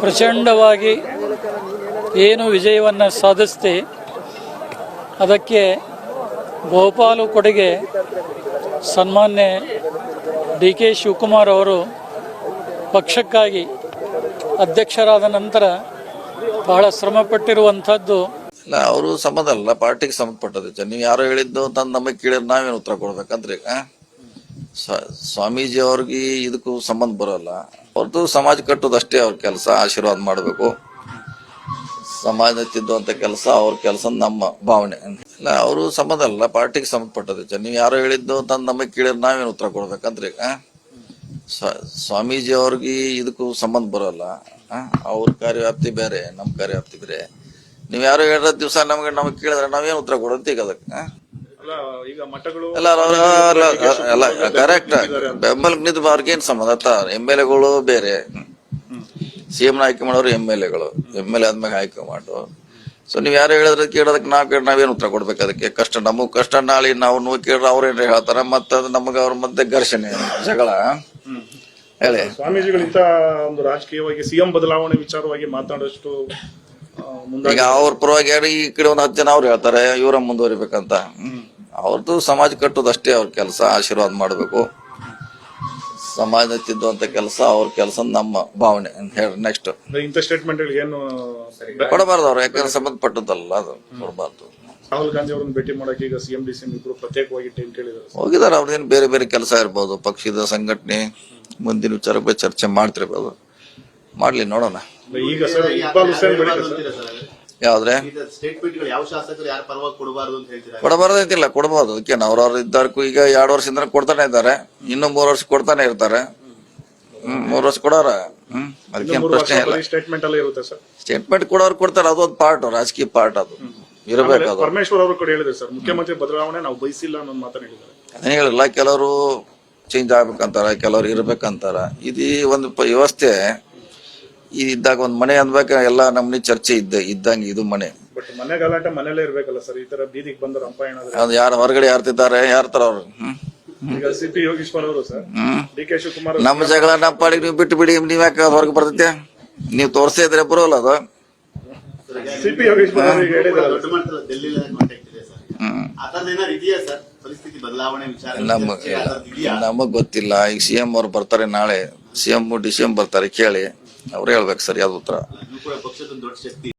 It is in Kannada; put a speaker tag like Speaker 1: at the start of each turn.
Speaker 1: ಪ್ರಚಂಡವಾಗಿ ಏನು ವಿಜಯವನ್ನು ಸಾಧಿಸ್ತಿ ಅದಕ್ಕೆ ಬಹುಪಾಲು ಕೊಡುಗೆ ಸನ್ಮಾನ್ಯ ಡಿ ಕೆ ಶಿವಕುಮಾರ್ ಅವರು ಪಕ್ಷಕ್ಕಾಗಿ ಅಧ್ಯಕ್ಷರಾದ ನಂತರ ಬಹಳ ಶ್ರಮಪಟ್ಟಿರುವಂಥದ್ದು.
Speaker 2: ಇಲ್ಲ, ಅವರು ಸಂಬಂಧ ಅಲ್ಲ, ಪಾರ್ಟಿಗೆ ಸಂಬಂಧಪಟ್ಟದ್ದು. ನೀವು ಯಾರೋ ಹೇಳಿದ್ದು ತಂದು ನಮಗೆ ಕೇಳಿದ್ರೆ ನಾವೇನು ಉತ್ತರ ಕೊಡ್ಬೇಕಂದ್ರೆ ಸ್ವಾಮೀಜಿ ಅವ್ರಿಗೆ ಇದಕ್ಕೂ ಸಂಬಂಧ ಬರೋಲ್ಲ. ಅವ್ರದ್ದು ಸಮಾಜ ಕಟ್ಟೋದಷ್ಟೇ ಅವ್ರ ಕೆಲಸ, ಆಶೀರ್ವಾದ ಮಾಡಬೇಕು. ಸಮಾಜ ತಿದ್ದುವಂತ ಕೆಲಸ ಅವ್ರ ಕೆಲಸ, ನಮ್ಮ ಭಾವನೆ. ಇಲ್ಲ, ಅವರು ಸಂಬಂಧ ಅಲ್ಲ, ಪಾರ್ಟಿಗೆ ಸಂಬಂಧಪಟ್ಟದ್ದು. ನೀವು ಯಾರೋ ಹೇಳಿದ್ದು ತಂದು ನಮಗೆ ಕೇಳಿದ್ರೆ ನಾವೇನು ಉತ್ತರ ಕೊಡ್ಬೇಕಂದ್ರೆ ಸ್ವಾಮೀಜಿ ಅವ್ರಿಗೆ ಇದಕ್ಕೂ ಸಂಬಂಧ ಬರೋಲ್ಲ. ಅವ್ರ ಕಾರ್ಯವ್ಯಾಪ್ತಿ ಬೇರೆ, ನಮ್ಮ ಕಾರ್ಯವ್ಯಾಪ್ತಿ ಬೇರೆ. ನೀವ್ ಯಾರು ಹೇಳಿದ ದಿವಸ ನಮಗೆ ಕೇಳಿದ್ರೆ ನಾವೇನು ಉತ್ತರ ಕೊಡೋದು ಈಗ ಅದಕ್ಕೆ? ಎಲ್ಲ ಕರೆಕ್ಟ್. ಬೆಂಬಲಕ್ಕೆ ನಿಂತು ಅವ್ರಿಗೇನ್ ಸಂಬಂಧ? MLA ಬೇರೆ, CM ಆಯ್ಕೆ ಮಾಡೋರು MLA ಆದ್ಮೇಲೆ ಆಯ್ಕೆ ಮಾಡು. ಸೊ ನೀವ್ ಯಾರು ಹೇಳಿದ್ರೆ ಕೇಳೋದಕ್ಕೆ ನಾವೇನು ಉತ್ತರ ಕೊಡ್ಬೇಕು ಅದಕ್ಕೆ? ಕಷ್ಟ ನಮಗ್ ಕಷ್ಟ, ನಾಳೆ ನಾವು ಕೇಳಿದ್ರೆ ಅವ್ರೇನ್ ಹೇಳ್ತಾರ, ಮತ್ತ ನಮಗ ಅವ್ರ ಮಧ್ಯೆ ಘರ್ಷಣೆ, ಜಗಳ. ಹೇಳಿ,
Speaker 3: ಸ್ವಾಮೀಜಿಗಳಿಂದ ಒಂದು ರಾಜಕೀಯವಾಗಿ CM ಬದಲಾವಣೆ ವಿಚಾರವಾಗಿ ಮಾತಾಡೋಷ್ಟು
Speaker 2: ಈಗ ಅವ್ರ ಪರವಾಗಿ ಈ ಕಡೆ ಒಂದು 10 ಜನ ಅವ್ರು ಹೇಳ್ತಾರೆ ಇವರ ಮುಂದುವರಿಬೇಕಂತ. ಅವ್ರದ್ದು ಸಮಾಜ ಕಟ್ಟೋದಷ್ಟೇ ಅವ್ರ ಕೆಲಸ, ಆಶೀರ್ವಾದ ಮಾಡಬೇಕು. ಸಮಾಜ ತಿದ್ದುವಂತ ಕೆಲಸ ಅವ್ರ ಕೆಲಸ, ನಮ್ಮ ಭಾವನೆ. ಹೇಳಿ ನೆಕ್ಸ್ಟ್.
Speaker 3: ಇಂಥ ಸ್ಟೇಟ್ಮೆಂಟ್ ಏನು
Speaker 2: ಕೊಡಬಾರ್ದು ಅವ್ರು, ಯಾಕಂದ್ರೆ ಸಂಬಂಧಪಟ್ಟದ್ದಲ್ಲ, ಅದು ಕೊಡಬಾರ್ದು.
Speaker 3: ರಾಹುಲ್ ಗಾಂಧಿ ಅವ್ರನ್ನ ಭೇಟಿ ಮಾಡಕ್ಕೆ ಈಗ CM DCM ಇಬ್ರು ಪ್ರತ್ಯೇಕವಾಗಿ ಟೈಮ್ ಕೇಳಿದ್ದಾರೆ.
Speaker 2: ಹೋಗಿದಾರೆ. ಅವ್ರದೇನು ಬೇರೆ ಬೇರೆ ಕೆಲಸ ಇರ್ಬೋದು, ಪಕ್ಷದ ಸಂಘಟನೆ ಮುಂದಿನ ವಿಚಾರಕ್ಕೆ ಚರ್ಚೆ ಮಾಡ್ತಿರ್ಬೋದು. ಮಾಡ್ಲಿ, ನೋಡೋಣ.
Speaker 3: ಈಗ ಸರ್ ಇಕ್ಬಾಲ್ ಹುಸೇನ್
Speaker 2: ಯಾವ್ದ್ರೆ ಕೊಡಬಾರ್ದು ಅಂತಿಲ್ಲ, ಕೊಡಬಹುದು. ಅದಕ್ಕೆ ಅವ್ರವ್ರು ಇದ್ದಾರ್ಕು ಈಗ 2 ವರ್ಷದಿಂದ ಕೊಡ್ತಾನೆ ಇದ್ದಾರೆ, ಇನ್ನು 3 ವರ್ಷ ಕೊಡ್ತಾನೆ ಇರ್ತಾರೆ. 3 ವರ್ಷ ಕೊಡೋರ ಅದಕ್ಕೇನು ಪ್ರಶ್ನೆ ಇಲ್ಲ. ಸ್ಟೇಟ್ಮೆಂಟ್ ಕೊಡೋರು ಕೊಡ್ತಾರೆ, ಅದೊಂದು ಪಾರ್ಟ್, ರಾಜಕೀಯ ಪಾರ್ಟ್, ಅದು ಇರಬೇಕು. ಅದು
Speaker 3: ಪರಮೇಶ್ವರ್ ಅವರು ಕೂಡ ಹೇಳಿದ್ರು ಸರ್, ಮುಖ್ಯಮಂತ್ರಿ ಬದಲಾವಣೆ ನಾವು ಬಯಸಿಲ್ಲ ಅನ್ನೋ ಮಾತನ್ನ ಹೇಳಿದ್ದಾರೆ.
Speaker 2: ಅದೇ ಹೇಳಿಲ್ಲ, ಕೆಲವರು ಚೇಂಜ್ ಆಗ್ಬೇಕಂತಾರ, ಕೆಲವ್ರು ಇರ್ಬೇಕಂತಾರ. ಇದು ಒಂದು ವ್ಯವಸ್ಥೆ ಇದ್ದಾಗ ಒಂದ್ ಮನೆ ಅನ್ಬೇಕ, ಎಲ್ಲ ನಮ್ನಿ ಚರ್ಚೆ ಇದ್ದಂಗೆ ಇದು ಮನೆ.
Speaker 3: ಬಟ್ ಮನೆ ಗಲಾಟೆ ಮನೇಲೇ ಇರ್ಬೇಕಲ್ಲ ಸರ್, ಈ ತರ ಬೀದಿಗೆ ಬಂದ ರಂಪಾಯಣ
Speaker 2: ಅದು ಯಾರು ಹೊರಗಡೆ ಯಾರ್ತಿದ್ದಾರೆ, ಯಾರ್ತಾರ ಅವ್ರು?
Speaker 3: ಈಗ CP ಯೋಗೀಶ್ವರ್ ಅವರು ಸರ್, DK ಶಿವಕುಮಾರ್
Speaker 2: ನಮ್ಮ ಜಗಳ ನಮ್ಮ ಪಾಡಿಗೆ ನೀವು ಬಿಟ್ಟು ಬಿಡಿ, ನೀವ್ ಯಾಕೆ ಹೊರಗೆ ಬರ್ತೈತೆ? ನೀವು ತೋರ್ಸೇ ಇದ್ರೆ ಬರೋಲ್ಲ ಅದು.
Speaker 3: CP ಯೋಗೀಶ್ವರ್ ಅವರಿಗೆ ಹೇಳಿದ್ರು
Speaker 2: ನಮಗ್ ಗೊತ್ತಿಲ್ಲ. ಈಗ CM ಅವ್ರು ಬರ್ತಾರೆ, ನಾಳೆ CM DCM ಬರ್ತಾರೆ, ಕೇಳಿ ಅವ್ರು ಹೇಳ್ಬೇಕು ಸರಿಯಾದ ಉತ್ತರ.